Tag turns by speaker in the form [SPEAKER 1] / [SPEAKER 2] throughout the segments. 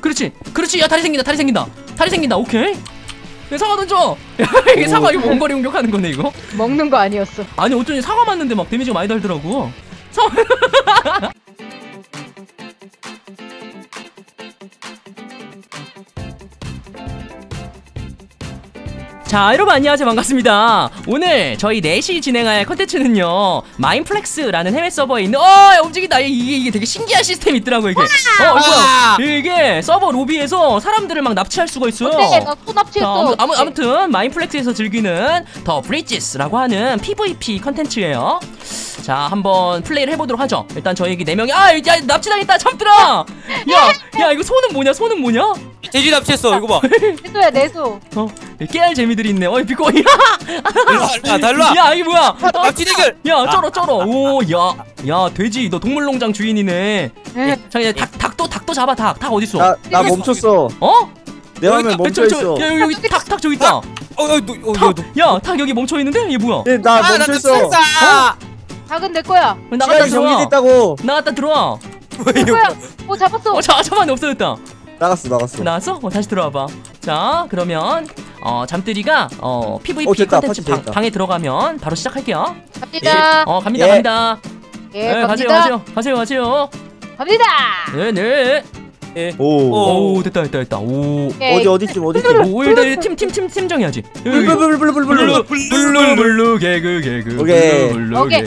[SPEAKER 1] 그렇지 그렇지. 야 다리 생긴다 다리 생긴다 다리 생긴다. 오케이. 야, 사과 던져. 야 이게 사과 이거 원거리 공격하는 거네 이거.
[SPEAKER 2] 먹는 거 아니었어.
[SPEAKER 1] 아니 어쩐지 사과 맞는데 막 데미지가 많이 달더라고. 자 여러분 안녕하세요 반갑습니다. 오늘 저희 넷이 진행할 컨텐츠는요 마인플렉스라는 해외 서버에 있는 움직인다. 이게 되게 신기한 시스템이 있더라고 이게. 뭐야 이게 서버 로비에서 사람들을 막 납치할 수가 있어요.
[SPEAKER 2] 어때? 나 또 납치했어.
[SPEAKER 1] 아무튼 마인플렉스에서 즐기는 더 브리지스라고 하는 PVP 컨텐츠예요. 자 한번 플레이를 해보도록 하죠. 일단 저희 4명이 야 납치당했다 참들아. 야 이거 손은 뭐냐 손은 뭐냐.
[SPEAKER 3] 돼지 납치했어 이거 봐.
[SPEAKER 2] 내소야 내소.
[SPEAKER 1] 깨알 재미들이 있네. 비꼬.
[SPEAKER 3] 달라.
[SPEAKER 1] 야 이게 뭐야?
[SPEAKER 3] 납치 대결.
[SPEAKER 1] 야 쩔어. 오 야 돼지 너 동물농장 주인이네. 자 이제 닭도 잡아. 닭 어딨어?
[SPEAKER 4] 나 멈췄어. 내 화면 멈춰있어.
[SPEAKER 1] 야 여기 닭 저기 있다. 야 닭 여기 멈춰있는데? 얘 뭐야?
[SPEAKER 4] 나 멈춰있어.
[SPEAKER 2] 닭은 내 거야.
[SPEAKER 1] 나갔다 들어와.
[SPEAKER 4] 정리됐다고.
[SPEAKER 1] 나갔다 들어와.
[SPEAKER 2] 내 거야. 잡았어.
[SPEAKER 1] 잡았네. 없어졌다.
[SPEAKER 4] 나갔어.
[SPEAKER 1] 나왔어? 다시 들어와봐. 자 그러면 잠들이가 PVP
[SPEAKER 4] 됐다,
[SPEAKER 1] 컨텐츠
[SPEAKER 4] 됐다.
[SPEAKER 1] 방에 들어가면 바로 시작할게요.
[SPEAKER 2] 갑니다.
[SPEAKER 1] 갑니다.
[SPEAKER 2] 예,
[SPEAKER 1] 가세요.
[SPEAKER 2] 갑니다.
[SPEAKER 1] 네. 오 됐다. 오
[SPEAKER 4] 어디쯤
[SPEAKER 1] 오 일단 팀 정해야지. 블루 개그
[SPEAKER 2] 오케이.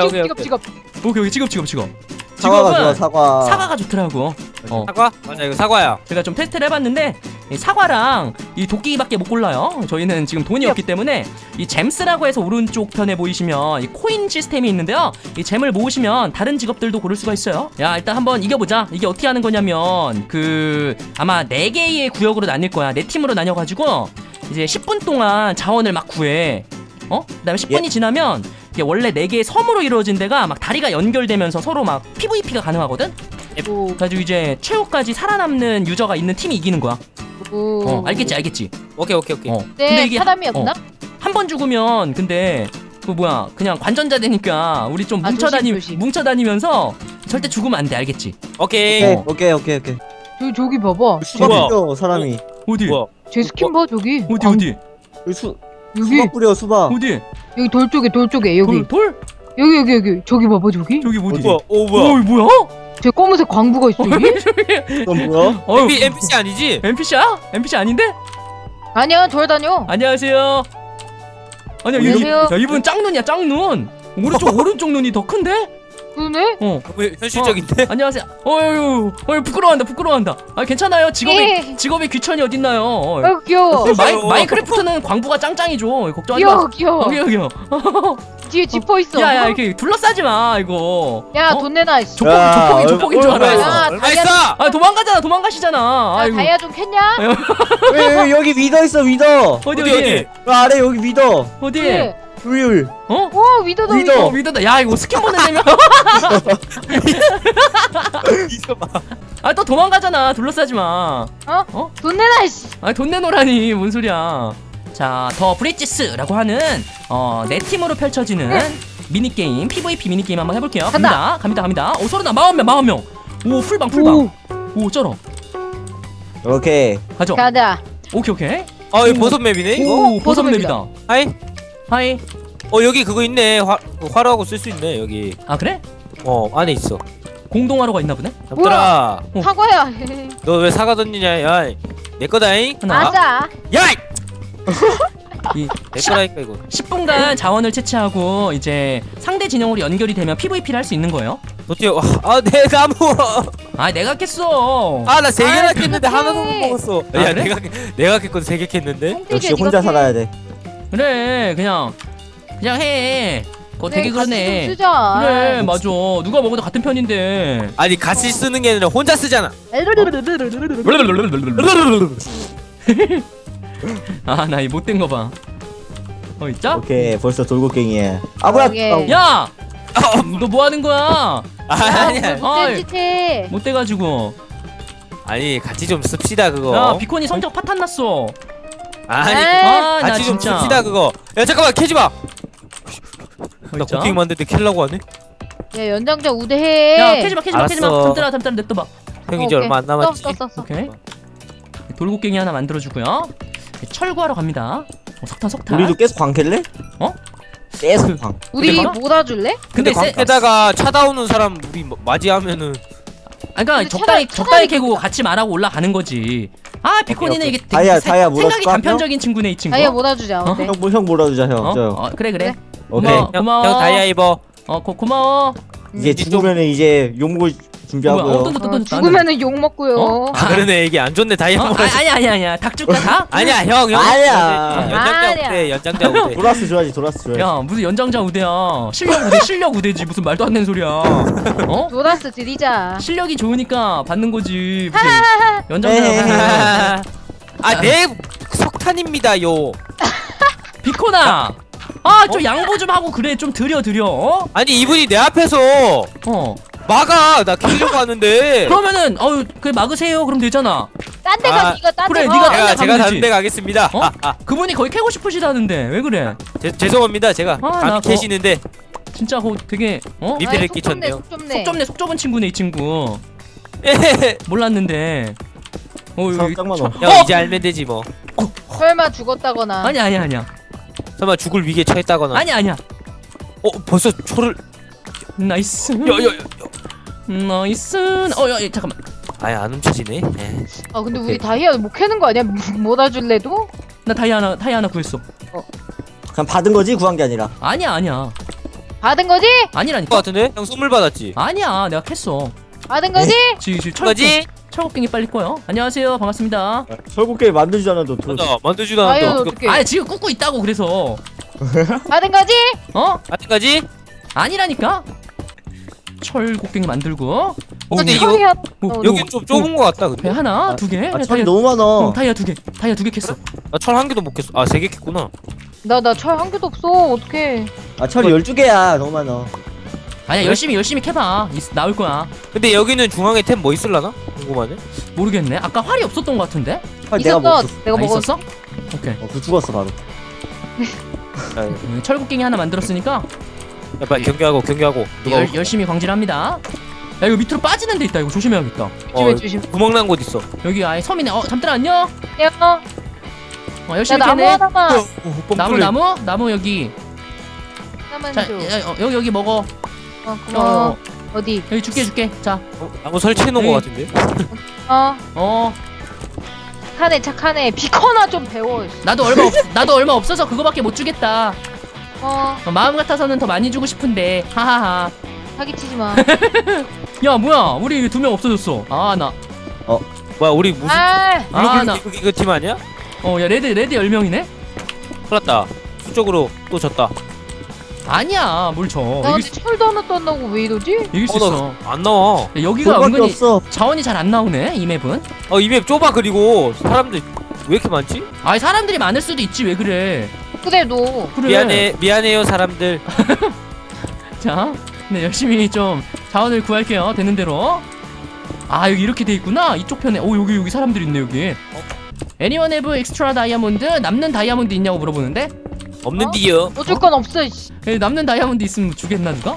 [SPEAKER 1] 직업.
[SPEAKER 4] 사과가 좋아.
[SPEAKER 1] 사과가 좋더라고.
[SPEAKER 3] 사과? 맞아 이거 사과야.
[SPEAKER 1] 제가 좀 테스트를 해봤는데 이 사과랑 이 도끼밖에 못 골라요. 저희는 지금 돈이 없기 때문에 이 잼스라고 해서 오른쪽 편에 보이시면 이 코인 시스템이 있는데요. 이 잼을 모으시면 다른 직업들도 고를 수가 있어요. 야 일단 한번 이겨보자. 이게 어떻게 하는 거냐면 아마 4개의 구역으로 나뉠 거야. 4팀으로 나뉘어가지고 이제 10분 동안 자원을 막 구해. 그다음에 10분이 지나면 이게 원래 4개의 섬으로 이루어진 데가 막 다리가 연결되면서 서로 막 PVP가 가능하거든? 그래가지고 이제 최후까지 살아남는 유저가 있는 팀이 이기는 거야. 알겠지?
[SPEAKER 3] 오케이.
[SPEAKER 2] 근데 이게 사람이 없나?
[SPEAKER 1] 한 번 죽으면 근데 그냥 관전자 되니까 우리 좀 뭉쳐다니면서 절대 죽으면 안 돼. 알겠지?
[SPEAKER 4] 오케이.
[SPEAKER 2] 저기 봐봐.
[SPEAKER 4] 수박 뿌려 사람이.
[SPEAKER 1] 어디?
[SPEAKER 2] 제 스킨 봐 저기.
[SPEAKER 1] 어디?
[SPEAKER 2] 여기
[SPEAKER 4] 수박 뿌려 수박.
[SPEAKER 1] 어디?
[SPEAKER 2] 여기 돌 쪽에 여기.
[SPEAKER 1] 돌?
[SPEAKER 2] 여기 저기 봐봐 저기.
[SPEAKER 1] 저기 뭐지?
[SPEAKER 3] 뭐야?
[SPEAKER 2] 저 검은색 광부가 있어 여기?
[SPEAKER 4] 그건 뭐야?
[SPEAKER 3] NPC 아니지?
[SPEAKER 1] NPC야? NPC 아닌데?
[SPEAKER 2] 아니야 돌아다녀.
[SPEAKER 1] 안녕하세요. 아니야
[SPEAKER 2] 안녕하세요.
[SPEAKER 1] 이분 짱눈이야 짱눈. 오른쪽 눈이 더 큰데?
[SPEAKER 2] 그러네?
[SPEAKER 3] 왜 현실적인데?
[SPEAKER 1] 안녕하세요. 부끄러워한다. 괜찮아요. 직업의 귀천이 어딨나요?
[SPEAKER 2] 귀여워.
[SPEAKER 1] 마인크래프트는 광부가 짱짱이죠. 걱정하지 마.
[SPEAKER 2] 귀여워.
[SPEAKER 1] 귀여워.
[SPEAKER 2] 뒤에 지퍼 있어.
[SPEAKER 1] 야 이렇게 둘러싸지 마 이거.
[SPEAKER 2] 야 돈 내놔.
[SPEAKER 1] 조폭인 줄 알아.
[SPEAKER 3] 얼마
[SPEAKER 1] 도망가시잖아.
[SPEAKER 2] 다이아 좀 캤냐?
[SPEAKER 4] 왜 여기 위더 있어 위더.
[SPEAKER 3] 어디?
[SPEAKER 4] 아래 여기 위더.
[SPEAKER 1] 어디?
[SPEAKER 2] 그래.
[SPEAKER 4] 조율.
[SPEAKER 2] 위더다.
[SPEAKER 1] 위더다. 야 이거 스킨 보내려면. 또 도망가잖아. 둘러싸지 마.
[SPEAKER 2] 돈 내놔 씨.
[SPEAKER 1] 돈 내놓으라니 뭔 소리야. 자, 더 브리지스라고 하는 4팀으로 펼쳐지는 미니게임, PVP 미니게임 한번 해볼게요. 갑니다. 서른아 40명. 오 풀방. 오 쩔어.
[SPEAKER 4] 오케이.
[SPEAKER 2] 가자.
[SPEAKER 1] 오케이.
[SPEAKER 3] 이거 버섯 맵이네 이거?
[SPEAKER 1] 오 버섯 맵이다. 하이.
[SPEAKER 3] 여기 그거 있네. 화로하고 쓸 수 있네 여기.
[SPEAKER 1] 그래?
[SPEAKER 3] 안에 있어.
[SPEAKER 1] 공동화로가 있나 보네.
[SPEAKER 3] 잠들아.
[SPEAKER 2] 사과야.
[SPEAKER 3] 너 왜 사과 던지냐? 야, 내 거다잉.
[SPEAKER 2] 맞아.
[SPEAKER 3] 야! 내 거라니까 이거.
[SPEAKER 1] 10분간 자원을 채취하고 이제 상대 진영으로 연결이 되면 PVP를 할 수 있는 거예요.
[SPEAKER 3] 도대체 내 나무.
[SPEAKER 1] 내가 깼어.
[SPEAKER 3] 나 3개나 깼는데 하나도 못
[SPEAKER 1] 해.
[SPEAKER 3] 먹었어.
[SPEAKER 1] 야
[SPEAKER 3] 그래? 내가 깼건 3개 깼는데.
[SPEAKER 4] 역시 혼자 살아야 돼.
[SPEAKER 1] 그래 그냥 해. 그거 되게 그러네. 그래 맞아. 누가 먹어도 같은 편인데.
[SPEAKER 3] 아니 같이 쓰는 게 아니라 혼자 쓰잖아.
[SPEAKER 1] 나 이 못된 거 봐. 있자?
[SPEAKER 4] 오케이 벌써 돌고갱이야. 뭐야?
[SPEAKER 1] 야! 너 뭐 하는 거야?
[SPEAKER 3] 아니야.
[SPEAKER 1] 못돼가지고.
[SPEAKER 3] 아니 같이 좀 씁시다 그거.
[SPEAKER 1] 야 비콘이 성적 파탄 났어.
[SPEAKER 3] 아니 같이 좀
[SPEAKER 1] 진짜.
[SPEAKER 3] 씁시다 그거. 야 잠깐만 캐지 마. 나 고킹 만들 때 킬라고 하네.
[SPEAKER 2] 야 연장자 우대해.
[SPEAKER 1] 야 캐지 마. 잠들아 냅둬봐.
[SPEAKER 3] 형 이제 얼마 안 남았지.
[SPEAKER 2] 썼어.
[SPEAKER 1] 오케이. 돌고갱이 하나 만들어주고요. 철구하러 갑니다. 석탄.
[SPEAKER 4] 우리도 계속 광 캘래?
[SPEAKER 1] 어?
[SPEAKER 4] 계속 광.
[SPEAKER 2] 우리
[SPEAKER 1] 근데
[SPEAKER 2] 몰아줄래?
[SPEAKER 3] 근데
[SPEAKER 1] 근데
[SPEAKER 3] 광에다가 찾아오는 사람 우리 맞이하면은
[SPEAKER 1] 그러니까
[SPEAKER 2] 근데
[SPEAKER 1] 적당히
[SPEAKER 2] 차라리
[SPEAKER 1] 캐고 같이 말하고 올라가는 거지. 아 비코니는
[SPEAKER 4] 오케이.
[SPEAKER 1] 이게 되게
[SPEAKER 4] 다이아
[SPEAKER 1] 생각이
[SPEAKER 4] 몰아줄까,
[SPEAKER 1] 단편적인 친구네 이 친구.
[SPEAKER 2] 다이아 몰아주자. 어때?
[SPEAKER 4] 형 몰아주자 형.
[SPEAKER 1] 어?
[SPEAKER 4] 저.
[SPEAKER 1] 그래.
[SPEAKER 2] 그래.
[SPEAKER 4] 오케이.
[SPEAKER 1] 고마워. 고마워.
[SPEAKER 3] 형 다이아 입어.
[SPEAKER 1] 고마워.
[SPEAKER 4] 이제 죽으면은 이제 용물 준비하고요.
[SPEAKER 2] 죽으면은 욕 먹고요.
[SPEAKER 1] 어?
[SPEAKER 3] 아 그러네 이게 안 좋네 다이아 먹어.
[SPEAKER 1] 아니야. 닭 줄까 닭?
[SPEAKER 3] 아니야 형.
[SPEAKER 4] 아니야.
[SPEAKER 3] 연장자
[SPEAKER 2] 아니야.
[SPEAKER 3] 우대 연장자 우대.
[SPEAKER 4] 도라스 줘야지.
[SPEAKER 1] 야 무슨 연장자 우대야. 실력 우대지 무슨 말도 안 되는 소리야. 어?
[SPEAKER 2] 도라스 드리자.
[SPEAKER 1] 실력이 좋으니까 받는 거지. 무슨 연장자.
[SPEAKER 3] 아내 석탄입니다요.
[SPEAKER 1] 비코나. 좀 양보 좀 하고 그래 좀 드려.
[SPEAKER 3] 아니 이분이 내 앞에서 막아 나 키려고 하는데.
[SPEAKER 1] 그러면은 그래 막으세요. 그럼 되잖아.
[SPEAKER 2] 딴 데 가. 네가 딴 데
[SPEAKER 1] 그래,
[SPEAKER 2] 가.
[SPEAKER 1] 네가
[SPEAKER 3] 제가
[SPEAKER 1] 가면
[SPEAKER 3] 다른
[SPEAKER 1] 되지.
[SPEAKER 3] 데 가겠습니다.
[SPEAKER 1] 그분이 거의 캐고 싶으시다는데 왜 그래?
[SPEAKER 3] 죄송합니다 제가
[SPEAKER 1] 나
[SPEAKER 3] 감히 캐시는데
[SPEAKER 1] 진짜 되게
[SPEAKER 3] 미피를
[SPEAKER 2] 아이,
[SPEAKER 3] 끼쳤네요.
[SPEAKER 1] 속 좁은 친구네 이 친구. 몰랐는데.
[SPEAKER 4] 사람 딱 많아.
[SPEAKER 3] 형 이제 알면 되지 뭐.
[SPEAKER 2] 설마 죽었다거나.
[SPEAKER 1] 아니야.
[SPEAKER 3] 설마 죽을 위기에 처했다거나.
[SPEAKER 1] 아니야.
[SPEAKER 3] 벌써 초를.
[SPEAKER 1] 나이스. 나이스. 야, 잠깐만.
[SPEAKER 3] 아예 안 훔쳐지네.
[SPEAKER 2] 근데 우리 다이아 못 캐는 거 아니야? 몰아줄래도?
[SPEAKER 1] 나 다이아 하나 구했어.
[SPEAKER 4] 그냥 받은 거지 구한 게 아니라.
[SPEAKER 1] 아니야.
[SPEAKER 2] 받은 거지?
[SPEAKER 3] 거
[SPEAKER 1] 아니라니까.
[SPEAKER 3] 같은데? 형 선물 받았지.
[SPEAKER 1] 아니야. 내가 캤어.
[SPEAKER 2] 받은 거지?
[SPEAKER 1] 지금
[SPEAKER 3] 거지?
[SPEAKER 1] 철곡갱이 빨리 꺼요. 안녕하세요. 반갑습니다.
[SPEAKER 4] 설국게 만들잖아 너.
[SPEAKER 3] 맞아 만들지도
[SPEAKER 2] 다이아
[SPEAKER 3] 않았는데
[SPEAKER 2] 어떻게?
[SPEAKER 1] 아 지금 꾹꾹 있다고 그래서.
[SPEAKER 2] 받은 거지?
[SPEAKER 3] 받은 거지?
[SPEAKER 1] 아니라니까. 철곡갱이 만들고.
[SPEAKER 3] 근데
[SPEAKER 2] 이거
[SPEAKER 3] 여기 좀 좁은 거 같다
[SPEAKER 1] 배
[SPEAKER 3] 근데.
[SPEAKER 1] 하나, 두 개.
[SPEAKER 4] 철이 너무 많아.
[SPEAKER 1] 다이아 두 개. 다이아 두 개 캤어.
[SPEAKER 3] 나 철 한 개도 못 캤어. 세 개 캤구나.
[SPEAKER 2] 나 철 한 개도 없어. 어떡해.
[SPEAKER 4] 철이 12개야. 너무 많아.
[SPEAKER 1] 아니야 열심히 캐봐. 나올 거야.
[SPEAKER 3] 근데 여기는 중앙에 템 뭐 있을라나? 궁금하네.
[SPEAKER 1] 모르겠네. 아까 활이 없었던 것 같은데.
[SPEAKER 4] 내가
[SPEAKER 2] 있었어.
[SPEAKER 4] 먹었어.
[SPEAKER 2] 내가 먹었어.
[SPEAKER 1] 있었어? 오케이.
[SPEAKER 4] 그 죽었어 바로.
[SPEAKER 1] 철곡갱이 하나 만들었으니까
[SPEAKER 3] 야, 빨리 경계하고 누가
[SPEAKER 1] 열심히 광질합니다. 야 이거 밑으로 빠지는 데 있다. 이거 조심해야겠다.
[SPEAKER 2] 조심.
[SPEAKER 3] 구멍 난 곳 있어.
[SPEAKER 1] 여기 아예 섬이네. 잠들아 안녕.
[SPEAKER 2] 야,
[SPEAKER 1] 열심히
[SPEAKER 2] 나무
[SPEAKER 1] 캐네.
[SPEAKER 2] 하나만.
[SPEAKER 1] 나무 여기.
[SPEAKER 2] 하나만
[SPEAKER 1] 자
[SPEAKER 2] 줘.
[SPEAKER 1] 여기 먹어.
[SPEAKER 2] 고마워. 어디?
[SPEAKER 1] 여기 줄게. 자.
[SPEAKER 3] 나무 설치해 놓은
[SPEAKER 1] 네.
[SPEAKER 3] 거 같은데.
[SPEAKER 2] 착하네. 비커나 좀 배워.
[SPEAKER 1] 나도 얼마 없어서 그거밖에 못 주겠다. 마음 같아서는 더 많이 주고 싶은데. 하하하.
[SPEAKER 2] 사기치지 마.
[SPEAKER 1] 야 뭐야? 우리 2명 없어졌어.
[SPEAKER 3] 뭐야 우리 무슨
[SPEAKER 1] 나.
[SPEAKER 3] 이거 팀 아니야?
[SPEAKER 1] 야 레드 10명이네?
[SPEAKER 3] 큰일 났다. 수적으로 또 졌다.
[SPEAKER 1] 아니야 뭘 져.
[SPEAKER 2] 나 근데 철도 하나도 안 나오고 왜 이러지?
[SPEAKER 1] 이길 수 있어.
[SPEAKER 3] 안 나와.
[SPEAKER 1] 야, 여기가
[SPEAKER 4] 그거밖에
[SPEAKER 1] 은근히
[SPEAKER 4] 없어.
[SPEAKER 1] 자원이 잘 안 나오네 이 맵은.
[SPEAKER 3] 이 맵 좁아. 그리고 사람들 왜 이렇게 많지?
[SPEAKER 1] 아니 사람들이 많을 수도 있지 왜 그래.
[SPEAKER 2] 그래도
[SPEAKER 1] 그래.
[SPEAKER 3] 미안해요 사람들.
[SPEAKER 1] 자, 네 열심히 좀 자원을 구할게요. 되는 대로. 여기 이렇게 돼 있구나. 이쪽 편에. 여기 사람들 있네 여기. Anyone have extra diamond? 남는 다이아몬드 있냐고 물어보는데.
[SPEAKER 3] 없는디요.
[SPEAKER 2] 어쩔 건 없어. 씨.
[SPEAKER 1] 남는 다이아몬드 있으면 주겠나 누가?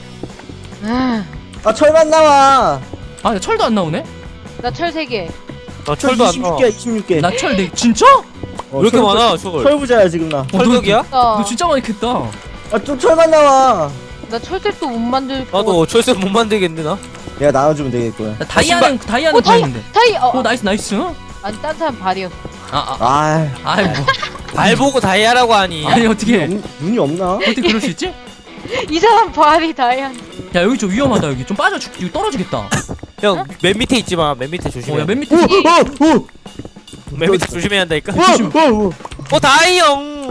[SPEAKER 4] 철만 나와.
[SPEAKER 1] 철도 안 나오네.
[SPEAKER 2] 나 철 3개.
[SPEAKER 3] 철도 안 나와.
[SPEAKER 4] 26개.
[SPEAKER 1] 나 철 진짜?
[SPEAKER 3] 왜 이렇게 많아 철?
[SPEAKER 4] 철부자야 지금 나.
[SPEAKER 3] 철벽이야?
[SPEAKER 1] 너 진짜 많이 캤다.
[SPEAKER 4] 좀 철만 나와.
[SPEAKER 2] 나 철책도 못 만들 거.
[SPEAKER 3] 나도 철새 못 만들겠네 나.
[SPEAKER 4] 내가 나눠주면 되겠구나.
[SPEAKER 1] 나 다이아는 다 있는데. 나이스.
[SPEAKER 2] 아니 딴 사람 발이었어.
[SPEAKER 3] 발 보고 다이아라고 하니.
[SPEAKER 1] 아니 어떻게
[SPEAKER 4] 눈이 없나?
[SPEAKER 1] 어떻게 그럴 수 있지?
[SPEAKER 2] 이 사람 발이 다이아.
[SPEAKER 1] 야 여기 좀 위험하다. 여기 좀 빠져 이거 떨어지겠다.
[SPEAKER 3] 형 맨 밑에 있지 마. 맨 밑에 조심해.
[SPEAKER 1] 야맨 밑에.
[SPEAKER 3] 맨 밑에 조심해야 한다니까. 다이형.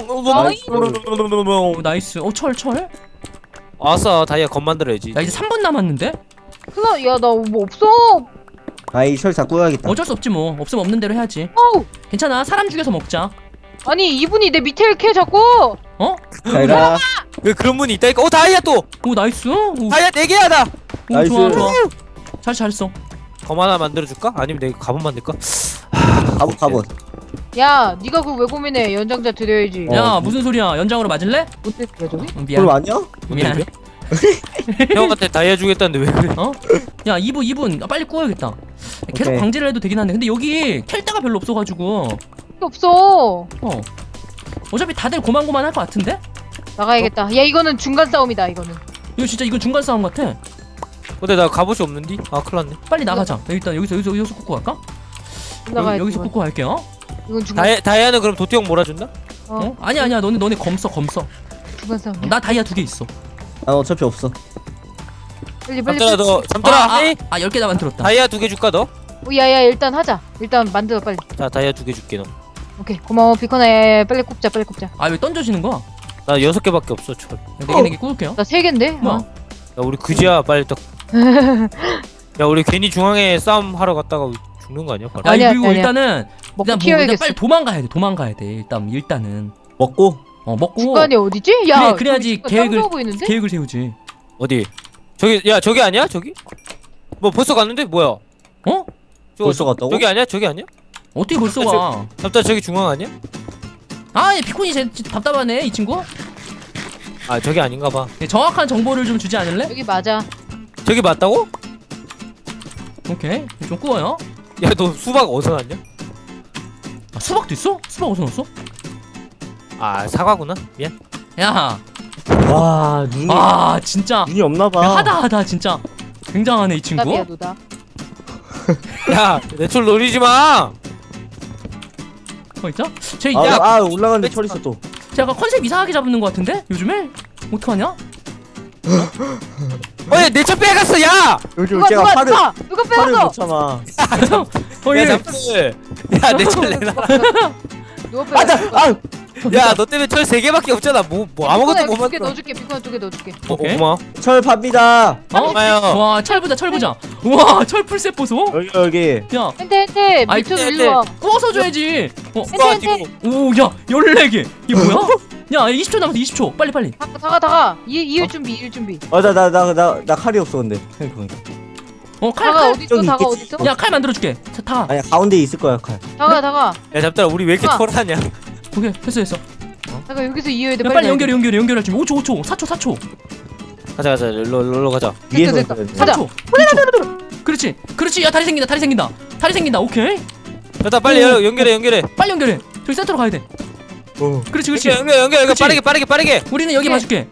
[SPEAKER 1] 나이스. 철.
[SPEAKER 3] 아싸 다이아 건 만들어야지.
[SPEAKER 1] 야 이제 3분 남았는데?
[SPEAKER 2] 야, 나 뭐 없어.
[SPEAKER 4] 이 철 다 구해야겠다.
[SPEAKER 1] 어쩔 수 없지 뭐. 없으면 없는 대로 해야지. 괜찮아. 사람 죽여서 먹자.
[SPEAKER 2] 아니 이분이 내 밑에 이렇게 자꾸.
[SPEAKER 4] 잘가.
[SPEAKER 3] 왜 그런 분이 있다니까. 다이아 또.
[SPEAKER 1] 나이스.
[SPEAKER 3] 다이아 4개야 나.
[SPEAKER 4] 나이스.
[SPEAKER 1] 좋아. 잘했어.
[SPEAKER 3] 검 하나 만들어줄까? 아니면 내가 가본 만들까?
[SPEAKER 4] 갑옷.
[SPEAKER 2] 야, 네가 그걸 왜 고민해? 연장자 드려야지.
[SPEAKER 1] 야 무슨 소리야? 연장으로 맞을래?
[SPEAKER 2] 어떻게 저기?
[SPEAKER 1] 미안.
[SPEAKER 4] 그럼 아니야?
[SPEAKER 1] 미안.
[SPEAKER 3] 형한테 다이아 주겠다는데 왜 그래?
[SPEAKER 1] 야 2분. 빨리 구워야겠다. 계속
[SPEAKER 4] 오케이.
[SPEAKER 1] 광질을 해도 되긴 한데 근데 여기 캘 데가 별로 없어가지고
[SPEAKER 2] 필요 없어.
[SPEAKER 1] 어차피 다들 고만고만 할 것 같은데?
[SPEAKER 2] 나가야겠다. 야 이거는 중간 싸움이다 이거는.
[SPEAKER 1] 이거 진짜 이건 중간 싸움 같아.
[SPEAKER 3] 근데 나 갑옷이 없는디? 아 큰일났네.
[SPEAKER 1] 빨리 나가자. 일단 여기서 꽂고 갈까?
[SPEAKER 2] 나가야지.
[SPEAKER 1] 여기서 꽂고 갈게요.
[SPEAKER 2] 이건 중간.
[SPEAKER 3] 다이아는 그럼 도티 형 몰아준다?
[SPEAKER 1] 아니야 너네 검 써.
[SPEAKER 2] 중간 싸움이야.
[SPEAKER 1] 나 다이아 2개 있어.
[SPEAKER 4] 난 어차피 없어.
[SPEAKER 2] 빨리.
[SPEAKER 3] 잠들아 너 잠들아 하이?
[SPEAKER 1] 10개나 만들었다.
[SPEAKER 3] 다이아 2개 줄까 너?
[SPEAKER 2] 야야 일단 하자. 일단 만들어 빨리.
[SPEAKER 3] 자 다이아 2개 줄게 너.
[SPEAKER 2] 오케이 고마워 비커나. 야야야 빨리 꼽자 빨리 꼽자.
[SPEAKER 1] 왜 던져지는 거야?
[SPEAKER 3] 나 6개밖에 없어 철.
[SPEAKER 1] 4개 꽂을게요.
[SPEAKER 2] 나 3개인데.
[SPEAKER 1] 뭐야?
[SPEAKER 3] 야 우리 그지야 빨리 딱. 야 우리 괜히 중앙에 싸움 하러 갔다가 죽는 거 아니야? 바로?
[SPEAKER 2] 아니야,
[SPEAKER 1] 그리고
[SPEAKER 2] 아니야.
[SPEAKER 1] 일단은
[SPEAKER 2] 먹고
[SPEAKER 1] 일단
[SPEAKER 2] 튀어야겠어.
[SPEAKER 1] 빨리 도망가야 돼. 일단은
[SPEAKER 4] 먹고
[SPEAKER 1] 먹고
[SPEAKER 2] 중간이 어디지? 야
[SPEAKER 1] 그래야지
[SPEAKER 2] 저기
[SPEAKER 1] 계획을
[SPEAKER 2] 짱 보이는데?
[SPEAKER 1] 계획을 세우지.
[SPEAKER 3] 어디? 저기 야 저기 아니야? 저기? 뭐 벌써 갔는데 뭐야?
[SPEAKER 1] 어?
[SPEAKER 4] 벌써 갔다고?
[SPEAKER 3] 저기 아니야? 저기 아니야?
[SPEAKER 1] 어떻게 벌써 가?
[SPEAKER 3] 잠깐 저기 중앙 아니야?
[SPEAKER 1] 얘 피콘이 답답하네 이 친구.
[SPEAKER 3] 아 저기 아닌가 봐.
[SPEAKER 1] 정확한 정보를 좀 주지 않을래?
[SPEAKER 2] 여기 맞아.
[SPEAKER 3] 저기 맞다고?
[SPEAKER 1] 오케이 좀 꾸워요.
[SPEAKER 3] 야 너 수박 어디서 났냐?
[SPEAKER 1] 수박도 있어? 수박 어디서 넣었어?
[SPEAKER 3] 아 사과구나. 미안.
[SPEAKER 1] 야,
[SPEAKER 4] 와 눈이
[SPEAKER 1] 진짜
[SPEAKER 4] 눈이 없나봐.
[SPEAKER 1] 하다 진짜 굉장하네 이 친구.
[SPEAKER 2] 노답이야 노답.
[SPEAKER 3] 야 내 철 노리지 마.
[SPEAKER 1] 있자? 쟤
[SPEAKER 4] 올라가는데 철 있어 또.
[SPEAKER 1] 약간 컨셉 이상하게 잡는 것 같은데 요즘에 어떡하냐?
[SPEAKER 3] 내 철 빼갔어 야.
[SPEAKER 4] 요즘 제가 팔을
[SPEAKER 2] 누가
[SPEAKER 4] 팔을
[SPEAKER 2] 빼앗어?
[SPEAKER 4] 못 참아.
[SPEAKER 3] 야 잠들. 야내 철 내놔.
[SPEAKER 2] 누가 빼앗어?
[SPEAKER 3] 야 너 때문에 철 3개밖에 없잖아. 뭐 아무것도 못
[SPEAKER 2] 두개
[SPEAKER 3] 만들어.
[SPEAKER 2] 넣어줄게. 비커나 2개 넣어줄게.
[SPEAKER 1] 오케이.
[SPEAKER 3] 고마워.
[SPEAKER 4] 철 팝니다.
[SPEAKER 3] 고마워요.
[SPEAKER 1] 와 철 보자. 우와 철 풀셋 보소.
[SPEAKER 4] 여기.
[SPEAKER 1] 야
[SPEAKER 2] hente 밑으로 일로 와.
[SPEAKER 1] 구워서 줘야지.
[SPEAKER 2] hente.
[SPEAKER 1] 오야 14개. 이게 뭐야? 야 20초 남았어 20초. 빨리.
[SPEAKER 2] 다가. 이을 준비.
[SPEAKER 4] 나 칼이 없어 근데.
[SPEAKER 2] 다가 어디 있어?
[SPEAKER 4] 저기
[SPEAKER 2] 다가
[SPEAKER 4] 있겠지.
[SPEAKER 2] 어디 있어?
[SPEAKER 1] 야 칼 만들어줄게. 다.
[SPEAKER 4] 아니 가운데 있을 거야 칼.
[SPEAKER 2] 다가.
[SPEAKER 3] 야 잠들아 우리 왜 이렇게
[SPEAKER 2] 아.
[SPEAKER 3] 철하냐?
[SPEAKER 1] 오케이 됐어.
[SPEAKER 2] 다가 여기서 이어야 돼.
[SPEAKER 1] 야, 빨리 연결할 준비. 5초 4초.
[SPEAKER 3] 가자 일로 가자.
[SPEAKER 4] 위에서
[SPEAKER 2] 됐다.
[SPEAKER 4] 있어야 돼.
[SPEAKER 2] 가자.
[SPEAKER 1] 3초. 그렇지. 야 다리 생긴다. 오케이.
[SPEAKER 3] 일단 빨리 연결해.
[SPEAKER 1] 빨리 연결해. 저기 센터로 가야 돼. 그렇지.
[SPEAKER 3] 연결
[SPEAKER 1] 그치?
[SPEAKER 3] 빠르게.
[SPEAKER 1] 우리는 여기
[SPEAKER 2] 오케이.
[SPEAKER 1] 봐줄게.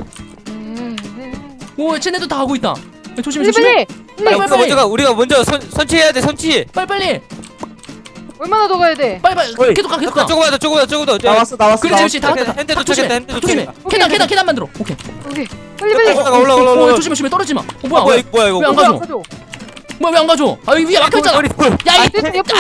[SPEAKER 1] 오 쟤네도 다 하고 있다. 야, 조심해.
[SPEAKER 2] 빨리.
[SPEAKER 3] 우리가 먼저 선취해야 돼. 선취.
[SPEAKER 1] 빨리.
[SPEAKER 2] 얼마나 더 가야 돼?
[SPEAKER 1] 빨리. 계속 가.
[SPEAKER 3] 조금 더.
[SPEAKER 4] 나왔어.
[SPEAKER 1] 그렇지. 다 왔다.
[SPEAKER 3] 핸드
[SPEAKER 1] 조심해.
[SPEAKER 3] 도착했다.
[SPEAKER 1] 계단 만들어. 오케이.
[SPEAKER 2] 빨리.
[SPEAKER 3] 올라가.
[SPEAKER 1] 조심해. 떨어지마. 뭐야?
[SPEAKER 3] 뭐야 이거.
[SPEAKER 1] 왜 안 가져? 왜 안 가져? 여기 위에 막혀있잖아. 야,
[SPEAKER 2] 됐어. 옆에.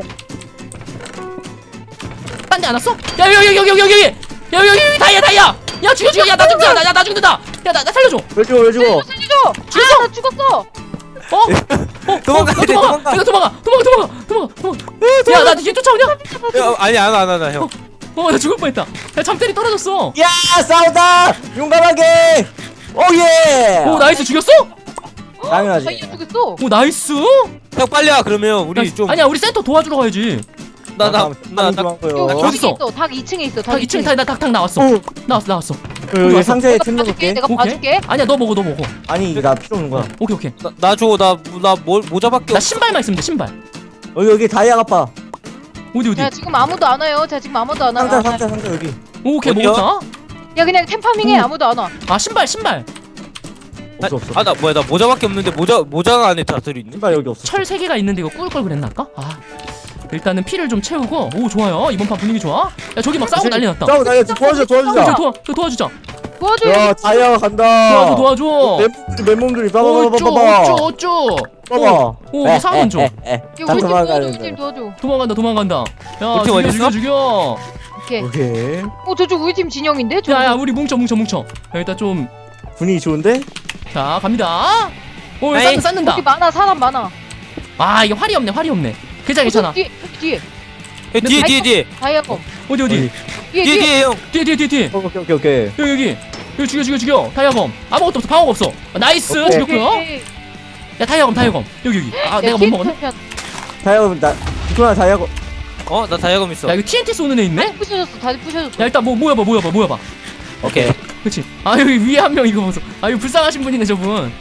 [SPEAKER 1] 딴 데 안 왔어? 야, 여기 다이아. 야, 죽여. 야, 나 죽는다. 야, 나 살려줘.
[SPEAKER 4] 왜 죽어?
[SPEAKER 2] 살려줘.
[SPEAKER 1] 죽였어?
[SPEAKER 2] 나 죽었어.
[SPEAKER 3] 도망가.
[SPEAKER 1] 내가 도망가. 야, 나 뒤에 쫓아오냐?
[SPEAKER 3] 아니 안 형.
[SPEAKER 1] 나 죽을 뻔했다. 야, 잠때리 떨어졌어.
[SPEAKER 4] 야 싸우다. 용감하게. 오예.
[SPEAKER 1] 오, 나이스 죽였어?
[SPEAKER 4] 당연하지.
[SPEAKER 2] 다이아 죽였어.
[SPEAKER 1] 오, 나이스.
[SPEAKER 3] 형 빨리 와 그러면 우리 좀.
[SPEAKER 1] 아니야, 우리 센터 도와주러 가야지.
[SPEAKER 3] 나
[SPEAKER 2] 여기 있어. 닭 2층에 있어.
[SPEAKER 1] 닭 2층 닭 나왔어. 나왔어.
[SPEAKER 4] 여기 상자에 템
[SPEAKER 2] 봐줄게.
[SPEAKER 4] 넣을게.
[SPEAKER 2] 내가 봐줄게.
[SPEAKER 1] 아니야, 너 먹어.
[SPEAKER 4] 아니 나 필요 없는 거야.
[SPEAKER 1] 오케이.
[SPEAKER 3] 나 모자밖에
[SPEAKER 1] 나
[SPEAKER 3] 없어.
[SPEAKER 1] 신발만 있으면 돼, 신발.
[SPEAKER 4] 여기 다이아 가빠.
[SPEAKER 1] 어디?
[SPEAKER 2] 야 지금 아무도 안 와요.
[SPEAKER 4] 상자 여기.
[SPEAKER 1] 오케이,
[SPEAKER 3] 어디야?
[SPEAKER 1] 먹었다.
[SPEAKER 2] 야 그냥 템파밍해. 아무도 안 와.
[SPEAKER 1] 신발.
[SPEAKER 4] 없어.
[SPEAKER 3] 나 뭐야 나 모자밖에 없는데 모자가 안에 다 들어있네.
[SPEAKER 4] 신발 여기 없어.
[SPEAKER 1] 철 3개가 있는데 이거 꾸을 걸 그랬나 아까? 일단은 피를 좀 채우고. 오, 좋아요. 이번 판 분위기 좋아. 야, 저기 막 싸우고 난리 났다.
[SPEAKER 4] 싸우 나 도와주자.
[SPEAKER 1] 도와주자.
[SPEAKER 2] 도와줘.
[SPEAKER 4] 야 다이아 간다.
[SPEAKER 1] 도와줘.
[SPEAKER 4] 맨몸들이 봐봐.
[SPEAKER 1] 오, 우리 상원 줘.
[SPEAKER 2] 야 우리 팀 도와줘.
[SPEAKER 1] 도망간다. 야,
[SPEAKER 3] 우리 팀 어디 있어?
[SPEAKER 1] 죽여.
[SPEAKER 2] 오케이. 저쪽 우리 팀 진영인데?
[SPEAKER 1] 야, 우리 뭉쳐. 야, 일단 좀.
[SPEAKER 4] 분위기 좋은데?
[SPEAKER 1] 자, 갑니다. 오,
[SPEAKER 3] 에이.
[SPEAKER 1] 쌓는다.
[SPEAKER 2] 여기 많아. 사람 많아.
[SPEAKER 1] 이게 활이 없네. 괜찮아.
[SPEAKER 2] 뒤에.
[SPEAKER 3] 뒤에
[SPEAKER 2] 다이아검.
[SPEAKER 1] 어디?
[SPEAKER 2] 뒤에.
[SPEAKER 3] 형.
[SPEAKER 1] 뒤에.
[SPEAKER 4] 오케이.
[SPEAKER 1] 여기 죽여. 다이아검. 아무것도 없어. 방어가 없어. 나이스.
[SPEAKER 4] 오케이.
[SPEAKER 1] 죽였고요. 야, 다이아검. 여기. 내가 못 먹었네.
[SPEAKER 4] 다이아고 나 이거나 다이아고.
[SPEAKER 3] 나 다이아검 있어.
[SPEAKER 1] 야, 이거 TNT 쏘는 애 있네?
[SPEAKER 2] 다시 부셔졌어.
[SPEAKER 1] 야, 일단 모여봐.
[SPEAKER 3] 오케이.
[SPEAKER 1] 그치? 여기 위에 한 명 이거 보소. 이거 불쌍하신 분이네, 저분.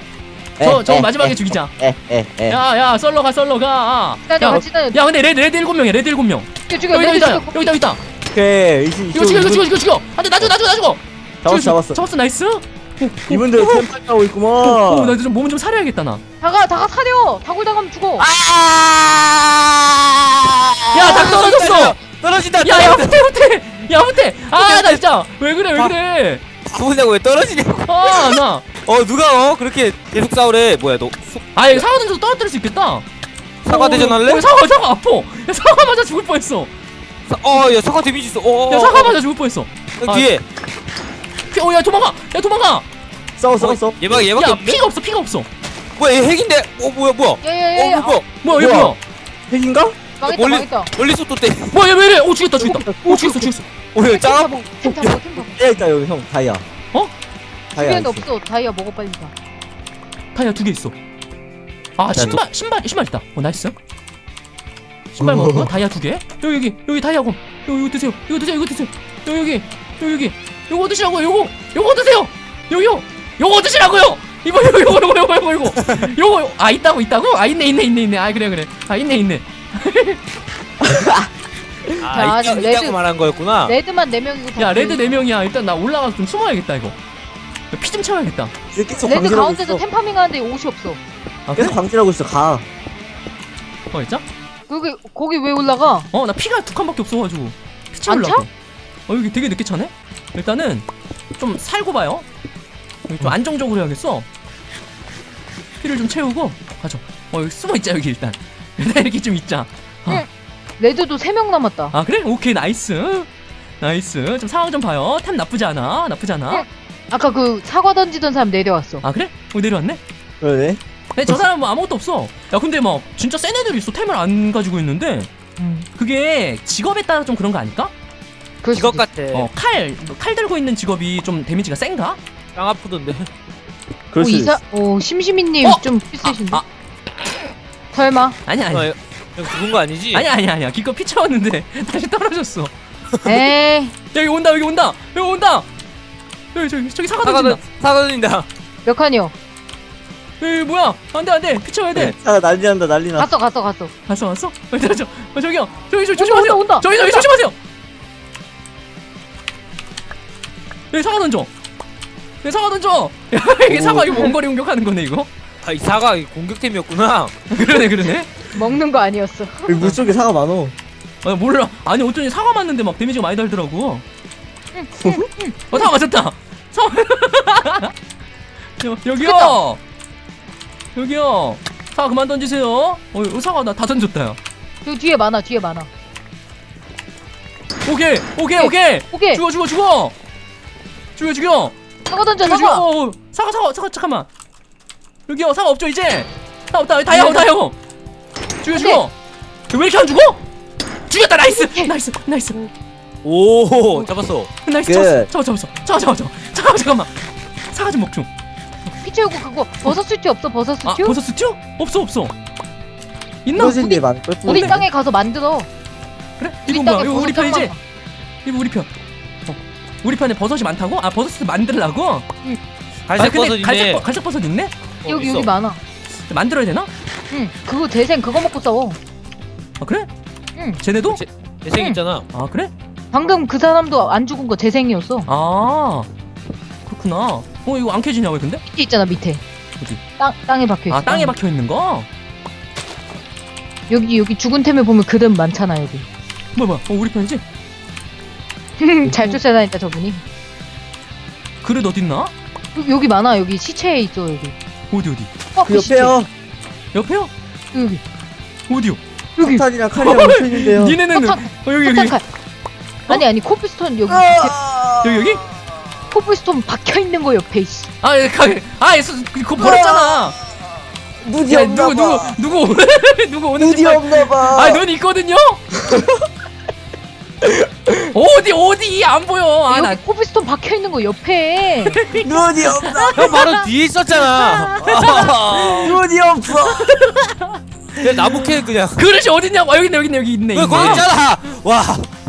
[SPEAKER 1] 저 마지막에 죽이자.
[SPEAKER 4] 에에에
[SPEAKER 1] 야 썰러 가.
[SPEAKER 2] 기다려
[SPEAKER 1] 야,
[SPEAKER 2] 같이 다녀.
[SPEAKER 1] 야 근데 레드 7명이야. 레드 7명.
[SPEAKER 2] 죽여
[SPEAKER 1] 여기
[SPEAKER 2] 레드
[SPEAKER 1] 있다.
[SPEAKER 2] 죽여.
[SPEAKER 1] 여기 있다.
[SPEAKER 4] 오케이
[SPEAKER 1] 이거 죽여. 안돼 나 죽어.
[SPEAKER 4] 잡았어
[SPEAKER 1] 잡았어 나이스.
[SPEAKER 4] 이분들 템팔 타고 있구먼
[SPEAKER 1] 나 좀 몸은 좀 사려야겠다 나.
[SPEAKER 2] 다가 사려. 다굴 당하면 죽어.
[SPEAKER 1] 야 닭 떨어졌어.
[SPEAKER 3] 떨어진다.
[SPEAKER 1] 야 후퇴. 야 후퇴. 아 나 진짜 왜 그래.
[SPEAKER 3] 바보냐고 왜 떨어지냐고.
[SPEAKER 1] 나.
[SPEAKER 3] 누가 그렇게 계속 싸우래. 뭐야 너
[SPEAKER 1] 아얘 사과 던져서 떨어뜨릴 수 있겠다.
[SPEAKER 3] 사과 대전 할래?
[SPEAKER 1] 사과 아파. 야 사과 맞아 죽을 뻔했어.
[SPEAKER 3] 야 사과 데미지 있어.
[SPEAKER 1] 야 사과 맞아 죽을 뻔했어.
[SPEAKER 3] 뒤에.
[SPEAKER 1] 야 도망가.
[SPEAKER 4] 싸웠어
[SPEAKER 3] 얘밖에
[SPEAKER 1] 야
[SPEAKER 3] 없네.
[SPEAKER 1] 피가 없어.
[SPEAKER 3] 뭐야 얘 핵인데? 뭐야?
[SPEAKER 2] 야야야야.
[SPEAKER 1] 뭐야 얘 뭐야?
[SPEAKER 4] 핵인가?
[SPEAKER 2] 망했다.
[SPEAKER 3] 멀리서 또 때.
[SPEAKER 1] 뭐야 얘 왜 이래? 죽였다. 죽였어.
[SPEAKER 3] 오야 짱.
[SPEAKER 2] 템 잡아.
[SPEAKER 4] 에 있다 여기 형 다이아 다이아
[SPEAKER 2] 주변에 없어. 다이아 먹어 빨리 다.
[SPEAKER 1] 다이아 2개 있어. 아 신발 있다. 나이스. 신발 먹었고 다이아 2개. 여기 다이아 곰. 이거 드세요. 여기. 요거 드시라고요. 요거 드세요. 요거 드시라고요. 이거. 있다고? 아 있네. 아 그래. 아 있네.
[SPEAKER 2] 자,
[SPEAKER 3] 있다고
[SPEAKER 2] 레드.
[SPEAKER 3] 말한 거였구나.
[SPEAKER 2] 레드만 4명이고.
[SPEAKER 1] 야 레드 4명이야. 일단 나 올라가서 좀 숨어야겠다 이거. 피 좀 채워야겠다.
[SPEAKER 4] 계속
[SPEAKER 2] 레드
[SPEAKER 4] 광질하고
[SPEAKER 2] 가운데서
[SPEAKER 4] 있어
[SPEAKER 2] 템파밍 하는데 옷이 없어.
[SPEAKER 1] 아 그래?
[SPEAKER 4] 계속 광질하고 있어 가
[SPEAKER 1] 진짜?
[SPEAKER 2] 거기 왜 올라가?
[SPEAKER 1] 나 피가 2칸밖에 없어가지고 피
[SPEAKER 2] 안
[SPEAKER 1] 채우려고. 여기 되게 늦게 차네? 일단은 좀 살고 봐요. 여기 좀 안정적으로 해야겠어. 피를 좀 채우고 가죠. 여기 숨어있자 여기 일단 이렇게 좀 있자.
[SPEAKER 2] 레드도 3명 남았다.
[SPEAKER 1] 아 그래? 오케이 나이스. 좀 상황 좀 봐요. 템 나쁘지 않아.
[SPEAKER 2] 아까 그 사과 던지던 사람 내려왔어.
[SPEAKER 1] 아 그래? 내려왔네?
[SPEAKER 4] 그러네
[SPEAKER 1] 근데 저 사람 뭐 아무것도 없어. 야 근데 막 진짜 센 애들이 있어. 템을 안 가지고 있는데 그게 직업에 따라 좀 그런 거 아닐까?
[SPEAKER 2] 그럴
[SPEAKER 3] 이것
[SPEAKER 2] 수도 있어.
[SPEAKER 3] 같아.
[SPEAKER 1] 칼 들고 있는 직업이 좀 데미지가 센가?
[SPEAKER 3] 짱 아프던데.
[SPEAKER 4] 그럴 수 있어
[SPEAKER 2] 심시민님 좀 비슷하신데? 설마?
[SPEAKER 1] 아니야.
[SPEAKER 3] 형 죽은 거 아니지?
[SPEAKER 1] 아니야. 기껏 피 채웠는데 다시 떨어졌어.
[SPEAKER 2] 에이.
[SPEAKER 1] 여기 온다. 저기 사과 던진다.
[SPEAKER 3] 사과 던진다.
[SPEAKER 2] 몇 칸이요?
[SPEAKER 1] 여기 뭐야? 안돼. 피 채워야 돼.
[SPEAKER 4] 아 난리난다 난리나
[SPEAKER 2] 갔어.
[SPEAKER 1] 왔어? 저기요. 저기 조심하세요.
[SPEAKER 2] 온다.
[SPEAKER 1] 저기 조심하세요. 여기 사과 던져. 야 이게 사과 이거 원거리 공격하는 거네 이거.
[SPEAKER 3] 이 사과 공격템이었구나.
[SPEAKER 1] 그러네.
[SPEAKER 2] 먹는 거 아니었어.
[SPEAKER 4] 여기 물속에 사과 많어
[SPEAKER 1] 몰라. 아니 어쩐지 사과 맞는데 막 데미지가 많이 달더라고. 사과 맞았다. 여기요. 사과 그만 던지세요. 사과 나 다 던졌다. 야.
[SPEAKER 2] 저 뒤에 많아.
[SPEAKER 1] 오케이. 죽여.
[SPEAKER 2] 사과 던져.
[SPEAKER 1] 사과 잠깐만. 여기요. 사과 없죠 이제. 사과 없다. 다이아고. 죽여. 왜 이렇게 안 죽어? 죽였다. 나이스.
[SPEAKER 3] 오 잡았어.
[SPEAKER 1] 나이스. 잡았어. 잠깐만. 사과 좀 먹죠.
[SPEAKER 2] 피 채우고 그거 버섯 스튜 없어? 버섯 스튜?
[SPEAKER 1] 버섯 스튜? 없어. 있나?
[SPEAKER 4] 떨어진 데 많을걸?
[SPEAKER 2] 우리 땅에 가서 만들어.
[SPEAKER 1] 그래?
[SPEAKER 2] 우리
[SPEAKER 1] 이거 뭐야?
[SPEAKER 2] 땅에
[SPEAKER 1] 이거 우리
[SPEAKER 2] 버섯
[SPEAKER 1] 편이지?
[SPEAKER 2] 짱
[SPEAKER 1] 이거 우리 편. 우리 편에 버섯이 많다고? 버섯 만들라고?
[SPEAKER 3] 갈색
[SPEAKER 1] 근데
[SPEAKER 3] 버섯 있네.
[SPEAKER 1] 갈색 버섯 있네?
[SPEAKER 2] 여기
[SPEAKER 3] 있어.
[SPEAKER 2] 여기 많아.
[SPEAKER 1] 만들어야 되나?
[SPEAKER 2] 응. 그거 재생 그거 먹고 싸워.
[SPEAKER 1] 아 그래?
[SPEAKER 2] 응.
[SPEAKER 1] 쟤네도?
[SPEAKER 3] 재생 있잖아.
[SPEAKER 1] 아 그래?
[SPEAKER 2] 방금 그 사람도 안 죽은 거 재생이었어.
[SPEAKER 1] 아 그렇구나. 이거 안 켜지냐 왜 근데?
[SPEAKER 2] 밑에 있잖아 밑에.
[SPEAKER 1] 어디?
[SPEAKER 2] 땅에 박혀 있어.
[SPEAKER 1] 땅에 박혀 있는 거?
[SPEAKER 2] 여기 죽은 템에 보면 그릇 많잖아 여기.
[SPEAKER 1] 뭐야? 우리 편이지?
[SPEAKER 2] 잘 쫓아다닌다 저분이.
[SPEAKER 1] 그릇 어딨나?
[SPEAKER 2] 여기 많아. 여기 시체에 있어 여기.
[SPEAKER 1] 어디?
[SPEAKER 4] 그 옆에요
[SPEAKER 1] 옆에요?
[SPEAKER 2] 여기.
[SPEAKER 1] 어디요?
[SPEAKER 2] 여기.
[SPEAKER 4] 석탄이랑 칼이랑 묻혀있는데요
[SPEAKER 1] 니네는
[SPEAKER 2] 석탄.
[SPEAKER 1] 여기
[SPEAKER 2] 석탄칼. 아니 코블스톤 여기.
[SPEAKER 1] 여기?
[SPEAKER 2] 코블스톤 박혀 있는 거 옆에 있어.
[SPEAKER 1] 그거 버렸잖아.
[SPEAKER 4] 눈이
[SPEAKER 1] 야
[SPEAKER 4] 없나봐
[SPEAKER 1] 누구 오는
[SPEAKER 4] 눈이 없나봐
[SPEAKER 1] 눈 있거든요? 어디 안 보여.
[SPEAKER 2] 여기 코블스톤 박혀 있는 거 옆에.
[SPEAKER 4] 눈이 없나
[SPEAKER 3] 형 바로 뒤에 있었잖아.
[SPEAKER 4] 눈이 없어
[SPEAKER 3] 내 나무 캐 그냥.
[SPEAKER 1] 그릇이 어딨냐고. 여기 있네.
[SPEAKER 3] 왜 거기 있잖아. 와.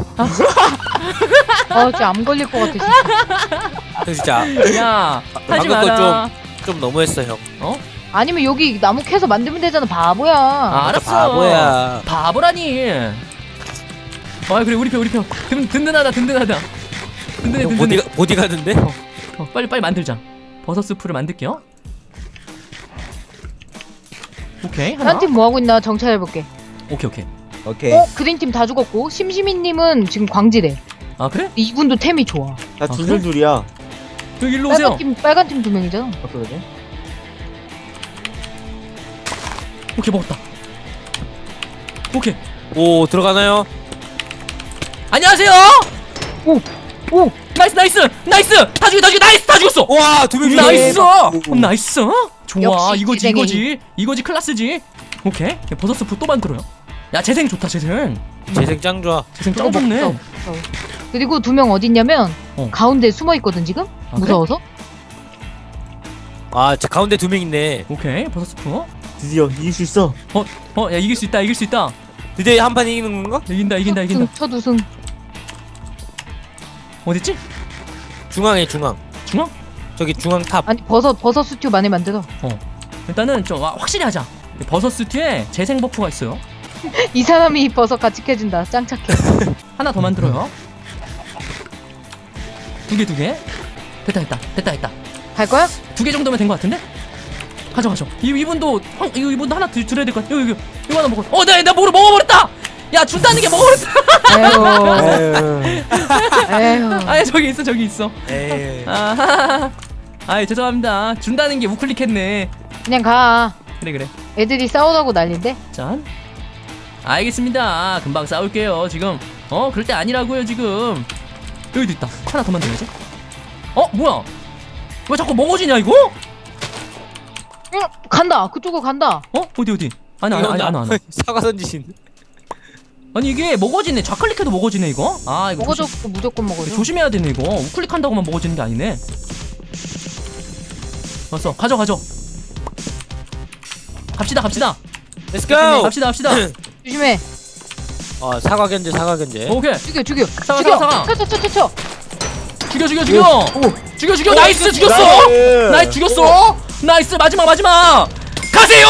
[SPEAKER 2] 진짜 암 걸릴 것 같아 진짜.
[SPEAKER 3] 진짜.
[SPEAKER 1] 야 하지
[SPEAKER 3] 방금
[SPEAKER 1] 마라.
[SPEAKER 3] 좀 너무했어 형.
[SPEAKER 2] 아니면 여기 나무 캐서 만들면 되잖아 바보야.
[SPEAKER 1] 알았어.
[SPEAKER 3] 바보야.
[SPEAKER 1] 바보라니. 아 그래 우리 편 든든하다. 든든해.
[SPEAKER 3] 보디가드인데?
[SPEAKER 1] 빨리 만들자. 버섯 스프를 만들게요. 오케이 하나.
[SPEAKER 2] 한 팀 뭐 하고 있나 정찰해볼게.
[SPEAKER 1] 오케이.
[SPEAKER 4] 오케이.
[SPEAKER 2] 그린팀 다 죽었고 심시민님은 지금 광지대.
[SPEAKER 1] 아 그래?
[SPEAKER 2] 이분도 템이 좋아.
[SPEAKER 4] 나
[SPEAKER 1] 그래?
[SPEAKER 4] 둘둘이야.
[SPEAKER 1] 여기 일로 오세요.
[SPEAKER 2] 빨간 팀 2명이잖아.
[SPEAKER 4] 그러네.
[SPEAKER 1] 오케이 먹었다. 오케이.
[SPEAKER 3] 오 들어가나요?
[SPEAKER 1] 안녕하세요.
[SPEAKER 2] 오
[SPEAKER 1] 나이스. 다 죽였어.
[SPEAKER 3] 와 2명
[SPEAKER 1] 나이스. 좋아.
[SPEAKER 2] 역시
[SPEAKER 1] 이거지 클라스지. 오케이. 버섯 스프 또 만들어요. 야 재생 좋다 재생.
[SPEAKER 3] 재생 짱 좋아.
[SPEAKER 1] 재생 짱 좋네.
[SPEAKER 2] 그리고 2명 어딨냐면 가운데 숨어있거든 지금?
[SPEAKER 1] 아, 그래?
[SPEAKER 2] 무서워서?
[SPEAKER 3] 아 저 가운데 2명 있네.
[SPEAKER 1] 오케이 버섯 스프.
[SPEAKER 4] 드디어 이길 수 있어.
[SPEAKER 1] 야 이길 수 있다.
[SPEAKER 3] 드디어 한 판 이기는 건가?
[SPEAKER 1] 이긴다.
[SPEAKER 2] 첫 우승.
[SPEAKER 1] 어딨지?
[SPEAKER 3] 중앙에 중앙.
[SPEAKER 1] 중앙?
[SPEAKER 3] 저기 중앙 탑.
[SPEAKER 2] 아니 버섯 스튜 많이 만들어.
[SPEAKER 1] 일단은 좀 확실히 하자. 버섯 스튜에 재생 버프가 있어요.
[SPEAKER 2] 이 사람이 버섯 같이 캐준다. 짱 착해.
[SPEAKER 1] 하나 더 만들어요. 두 개. 됐다.
[SPEAKER 2] 갈 거야?
[SPEAKER 1] 2개 정도면 된 것 같은데? 가져. 이분도 하나 줄여야 될 것 같아. 이거 하나 먹어. 내가 뭐를 먹어버렸다. 야 준다는 게 먹어버렸다.
[SPEAKER 2] 에휴.
[SPEAKER 1] 아 저기 있어.
[SPEAKER 3] 에이.
[SPEAKER 1] 아 죄송합니다. 준다는 게 우클릭했네.
[SPEAKER 2] 그냥 가.
[SPEAKER 1] 그래.
[SPEAKER 2] 애들이 싸우다고 난린데?
[SPEAKER 1] 짠. 알겠습니다. 금방 싸울게요. 지금 그럴 때 아니라고요 지금. 여기도 있다. 하나 더 만들어야지. 뭐야? 왜 자꾸 먹어지냐 이거?
[SPEAKER 2] 응 간다. 그쪽으로 간다.
[SPEAKER 1] 어디? 아니.
[SPEAKER 3] 사과 던지신.
[SPEAKER 1] 아니 이게 먹어지네. 좌클릭해도 먹어지네 이거. 이거
[SPEAKER 2] 먹어줘. 무조건 먹어줘.
[SPEAKER 1] 조심해야 되네 이거. 우클릭한다고만 먹어지는 게 아니네. 왔어. 가져. 갑시다.
[SPEAKER 3] Let's go.
[SPEAKER 1] 갑시다.
[SPEAKER 2] 조심해.
[SPEAKER 3] 사과 견제.
[SPEAKER 1] 오케이.
[SPEAKER 2] 죽여.
[SPEAKER 1] 사과.
[SPEAKER 2] 쳐.
[SPEAKER 1] 죽여. 나이스 죽였어. 나이스 죽였어. 나이스 마지막. 가세요.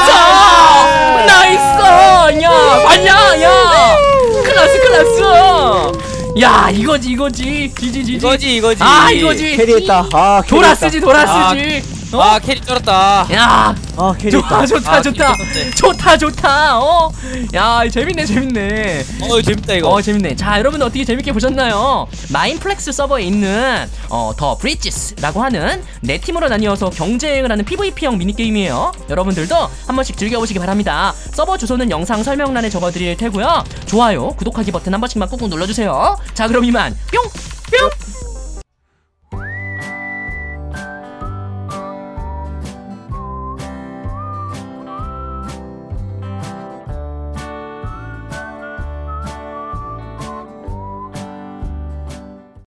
[SPEAKER 1] 나이스. 야 맞냐? 야 클라스. 야 이거지. 지지.
[SPEAKER 3] 이거지.
[SPEAKER 1] 이거지.
[SPEAKER 4] 캐리했다.
[SPEAKER 1] 돌아쓰지.
[SPEAKER 3] 캐리 쩔었다.
[SPEAKER 1] 야
[SPEAKER 4] 캐리했다.
[SPEAKER 1] 좋다. 야 재밌네.
[SPEAKER 3] 재밌다 이거.
[SPEAKER 1] 재밌네. 자 여러분 어떻게 재밌게 보셨나요? 마인플렉스 서버에 있는 더 브리지스라고 하는 4팀으로 나뉘어서 경쟁을 하는 PVP형 미니게임이에요. 여러분들도 한 번씩 즐겨보시기 바랍니다. 서버 주소는 영상 설명란에 적어드릴 테고요. 좋아요 구독하기 버튼 한 번씩만 꾹꾹 눌러주세요. 자 그럼 이만 뿅.